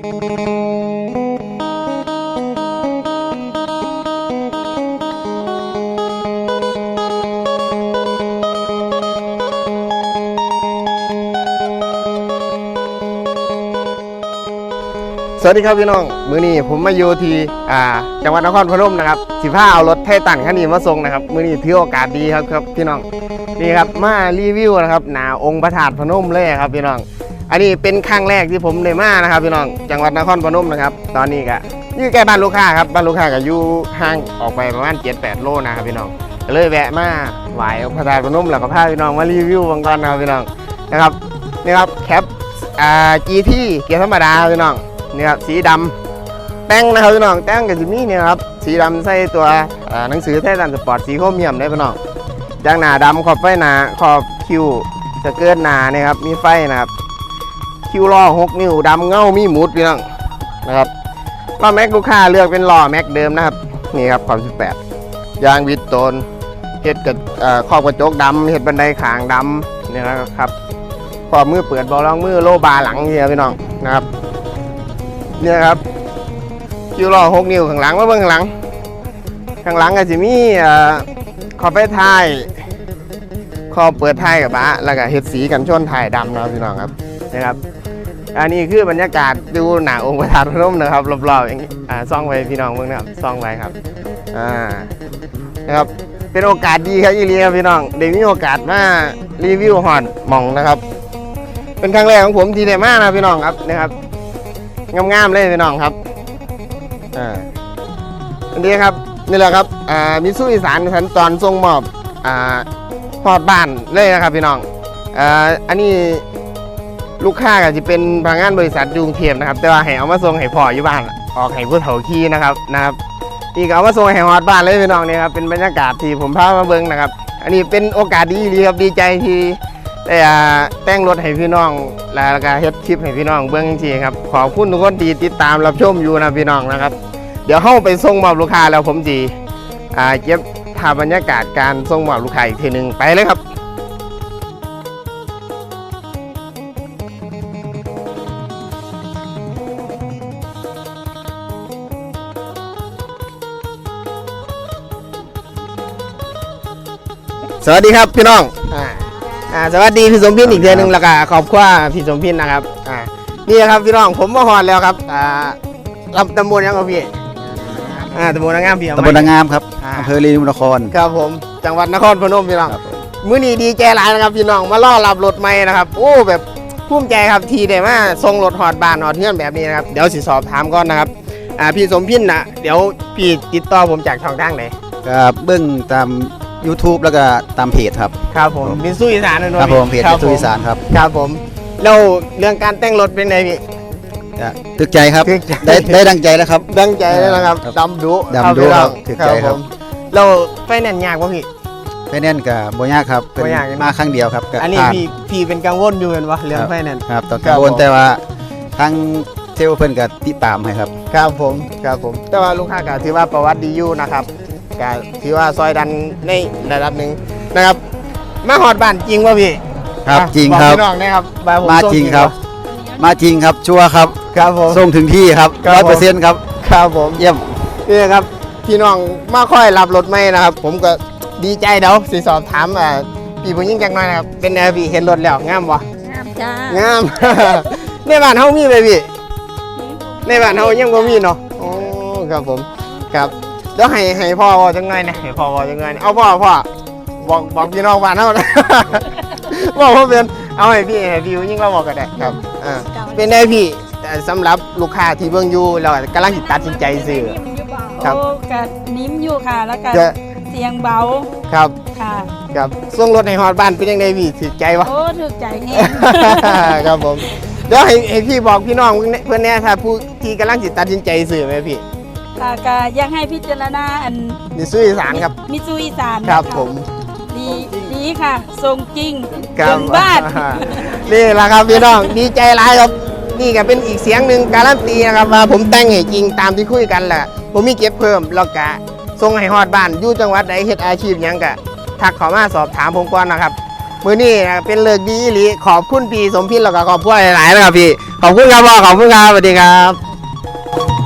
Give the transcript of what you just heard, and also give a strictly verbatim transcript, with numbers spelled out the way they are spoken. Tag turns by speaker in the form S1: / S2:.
S1: สวัสดีครับพี่น้องมื้อนี้ผมมาอยู่ที่อ่าจังหวัดนครพนมนะครับสิพาเอารถไททันคันนี้มาส่งนะครับมื้อนี้ถือโอกาสดีครับครับพี่น้องนี่ครับมารีวิวนะครับหน้าองค์พระธาตุพนมเลยครับพี่น้องอันนี้เป็นครั้งแรกที่ผมได้มานะครับพี่น้องจังหวัดนครพนมนะครับตอนนี้ก็อยู่ใกล้บ้านลูกค้าครับบ้านลูกค้าก็อยู่ห่างออกไปประมาณ เจ็ดแปด โลนะครับพี่น้องก็เลยแวะมาไหว้องค์พระธาตุพนมแล้วก็พาพี่น้องมารีวิวบางก่อนนะครับพี่น้องนะครับนี่ครับแคปอ่า จี ที เกียร์ธรรมดาพี่น้องนี่ครับสีดำแต่งนะครับพี่น้องแต่งกับจิมี่เนี่ยครับสีดำใส่ตัวหนังสือไททันสปอร์ตสีโครเมียมได้พี่น้องยางหนาดำขอบไฟหนาขอบคิวสเกิร์ตหนาเนี่ยครับมีไฟนะครับคิวล้อหกนิ้วดำเงามีหมุดพี่น้องนะครับล้อแม็กลูกค้าเลือกเป็นล้อแม็กเดิมนะครับนี่ครับความสิบแปดยางวิตโตนเห็ดกับขอบกระจกดำเห็ดบันไดขางดำเนี่ยนะครับขอบมือเปิดบอลรองมือโลบาหลังเนี่ยพี่น้องนะครับเนี่ยครับคิวล้อหกนิ้วข้างหลังมาเบื้องข้างหลังข้างหลังก็จะมีขอบไฟท้ายขอบเปิดท้ายกับบ้าแล้วก็เห็ดสีกันชนท้ายดำนะพี่น้องครับนะครับอันนี้คือบรรยากาศดูหน้าองค์พระธาตุพนมนะครับรอบๆอย่างนี้อ่าซ่องไว้พี่น้องเบื้องนะครับซ่องไว้ครับอ่านะครับเป็นโอกาสดีครับยี่ลีครับพี่น้องได้มีโอกาสมารีวิวฮอดหม่องนะครับเป็นครั้งแรกของผมที่ได้มานะพี่น้องครับนะครับงามๆเลยพี่น้องครับอ่าอันนี้ครับนี่แหละครับอ่ามิตซูอีสานขั้นตอนส่งมอบอ่าฮอดบ้านเลยนะครับพี่น้องอ่าอันนี้ลูกค้าก็จะเป็นพนักงานบริษัทยุงเทียมนะครับแต่ว่าให้เอามาส่งให้พ่ออยู่บ้านออกให้ผู้เฒ่าขี่นะครับนะครับนี่ก็เอามาส่งให้ฮอดบ้านเลยพี่น้องนี่ครับเป็นบรรยากาศที่ผมพามาเบิ่งนะครับอันนี้เป็นโอกาสดีดีครับดีใจที่ได้แต่งรถให้พี่น้องแล้วก็เฮ็ดคลิปให้พี่น้องเบื้องจริงครับขอบคุณทุกคนที่ติดตามรับชมอยู่นะพี่น้องนะครับเดี๋ยวเข้าไปส่งมอบลูกค้าแล้วผมจีอ่าเก็บภาพบรรยากาศการส่งมอบลูกค้าอีกทีหนึ่งไปเลยครับสวัสดีครับพี่น้องอ่าอ่าสวัสดีพี่สมพินอีกเดือนหนึ่งแล้วก็ขอบคุณพี่สมพินนะครับอ่านี่ครับพี่น้องผมมาฮอดแล้วครับอ่ารับตำบลยังครับพี่อ่าตำบลนางงามพี่ตำบลนางงามครับอำเภอลีนุนครครับผมจังหวัดนครพนมพี่น้องมื้อนี้ดีใจหลายนะครับพี่น้องมาล่อรับรถใหม่นะครับโอ้แบบภูมิใจครับทีได้มาส่งรถฮอดบ้านฮอดเฮือนแบบนี้นะครับเดี๋ยวสิสอบถามก่อนนะครับอ่าพี่สมพินนะเดี๋ยวพี่ติดต่อผมจากช่องทางไหน
S2: ครับเบื้องตามYouTube แล้วก็ตามเพจครับ
S1: ครับผมมิตซูอีสานนะ
S2: ครับผมเพจมิตซูอีสานครับ
S1: ครับผมแล้วเรื่องการแต่งรถเป็นไงพี่
S2: ถึกใจครับได้ได้ดังใจแล้วครับ
S1: ดังใจแล้วนะครับดำดุ
S2: ดำดุครับถึกใจครับ
S1: เราไฟแนนซ์ยากป่ะพี่
S2: ไฟแนนซ์กับโบยากครับเป็นมาครั้งเดียวครับ
S1: อันนี้พี่พี่เป็นกังวลอยู่เห็นวะเรื่องไฟแนนซ์
S2: ครับตอนกังวลแต่ว่าทางเซลล์เพิ่นก็ติดตามให้ครับ
S1: ครับผมครับผมแต่ว่าลูกค้าก็ถือว่าประวัติดีอยู่นะครับก็ถือว่าซอยดันในระดับหนึ่งนะครับมาฮอดบ้านจริงป่ะพี่
S2: ครับจริงครับ
S1: พี่น้องนะครับ
S2: มาจริงครับมาจริงครับชัวร์ครับ
S1: ครับผม
S2: ส่งถึงที่ครับร้อยเปอร์เซ็นต์ครับ
S1: ครับผม
S2: เยี่ยม
S1: นี่ครับพี่น้องมาค่อยรับรถไหมนะครับผมก็ดีใจเดี๋ยวสิสอบถามอ่าพี่ผู้หญิงจักหน่อยนะครับเป็นไงพี่เห็นรถแล้วงามบ่
S3: งามจ้าง
S1: าม ในบ้านเฮามีไหมพี่ในบ้านเฮายังบ่มีเนาะโอ้ครับผมครับเดี๋ยวให้ให้พ่อว่าจังไงนะให้พ่อว่าจังไงเอาพ่อพ่อบอกบอกพี่น้องบ้านเฮานะบอกว่าเป็นเอาให้พี่ให้พี่ยิ่งเราบอกกันได้ครับอ่าเป็นได้พี่สำหรับลูกค้าที่เบิ่งอยู่เรากำลังตัดสินใจซื้อ
S3: ครับกะนิ่มอยู่ค่ะแล้วก็เสียงเบา
S1: ครับ
S3: ค่ะ
S1: ครับส่งรถให้ฮอดบ้านเป็นยังไงพี่ถูกใจวะ
S3: โอ้ถูกใจแน่
S1: ครับผมเดี๋ยวให้ให้พี่บอกพี่น้องเพื่อนแน่ถ้าผู้ที่กำลังตัดสินใจซื้อไหมพี่
S3: ค่ะก็ยังให้พิจารณาอัน
S1: มิตซูอีสานครับ
S3: มิตซูอีสาน
S1: ครับผม
S3: ดีดีค่ะทรงจริงถึงบ้าน
S1: นี่แหละครับพี่น้องดีใจหลายครับนี่ก็เป็นอีกเสียงหนึ่งการันตีนะครับว่าผมแต่งให้จริงตามที่คุยกันแหละผมมีเก็บเพิ่มแล้วก็ส่งให้ฮอดบ้านอยู่จังหวัดใดเฮ็ดอาชีพยังก็ทักเข้ามาสอบถามผมก่อนนะครับมือนี้เป็นเลิกดีอีหลีขอบคุณพี่สมพินแล้วก็ขอบคุณหลายๆนะครับพี่ขอบคุณครับพ่อขอบคุณครับสวัสดีครับ